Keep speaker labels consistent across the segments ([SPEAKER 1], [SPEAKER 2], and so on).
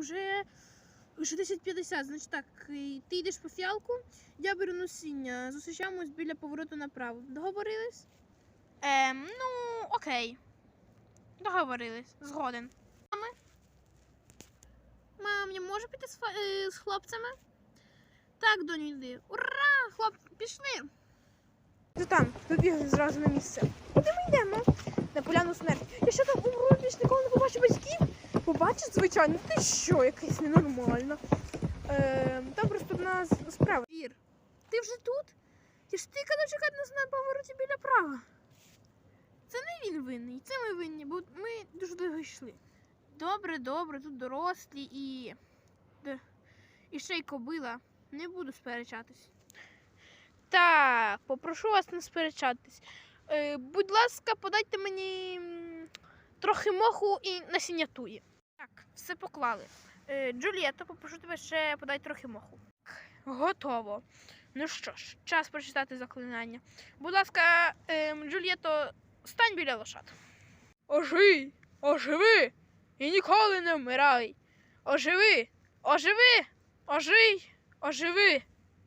[SPEAKER 1] вже 10:50. Значить так, ти йдеш по фіалку, я беру насіння. Зустрічаємось біля повороту направо. Договорились?
[SPEAKER 2] Ну, окей. Договорились. Згоден.
[SPEAKER 1] Мам, я можу піти з хлопцями? Так, доню, йди. Ура! Хлоп, пішли!
[SPEAKER 2] Ти там, побігли зразу на місце.
[SPEAKER 1] Куди ми йдемо?
[SPEAKER 2] На поляну смерті.
[SPEAKER 1] Я що там умру, більш ніколи не побачу батьків? Побачиш, звичайно, ти що, якась ненормальна. Там просто в нас справа. Вір, ти вже тут? Ти ж ти казав чекати нас на повороті біля права. Це не він винний, це ми винні, бо ми дуже довго йшли. Добре, тут дорослі і ще й кобила. Не буду сперечатись.
[SPEAKER 2] Так, попрошу вас не сперечатись. Будь ласка, подайте мені трохи моху і насіння туї.
[SPEAKER 1] Так, все поклали. Джульєтто, попрошу тебе ще подай трохи моху.
[SPEAKER 2] Готово. Ну що ж, час прочитати заклинання. Будь ласка, Джульєтто, стань біля лошад. Ожий, оживи і ніколи не вмирай. Оживи, оживи, ожий, оживи.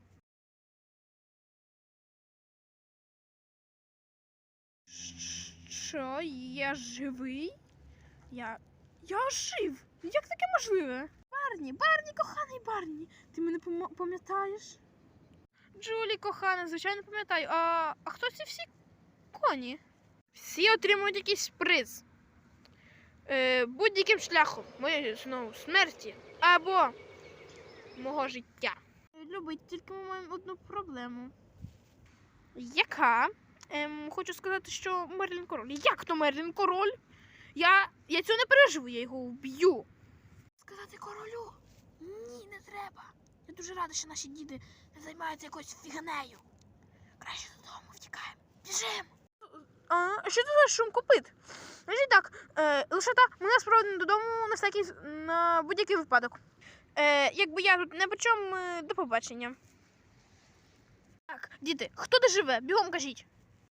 [SPEAKER 1] Що, я живий? Я жив? Як таке можливе? Барні, коханий Барні, ти мене пам'ятаєш?
[SPEAKER 2] Джулі, кохана, звичайно пам'ятаю. А хто ці всі коні? Всі отримують якийсь приз. Будь-яким шляхом. Моєї знову смерті або мого життя.
[SPEAKER 1] Любить, тільки ми маємо одну проблему.
[SPEAKER 2] Яка? Хочу сказати, що Мерлін король. Як то Мерлін король? Я цього не переживу, я його вб'ю.
[SPEAKER 1] Сказати королю? Ні, не треба. Я дуже рада, що наші діти не займаються якоюсь фіганею. Краще додому втікаємо. Біжим!
[SPEAKER 2] А що це за шум копит? Значить так, лошата, ми нас проводимо додому на будь-який випадок. Якби я тут не почом, до побачення. Так, діти, хто де живе? Бігом кажіть.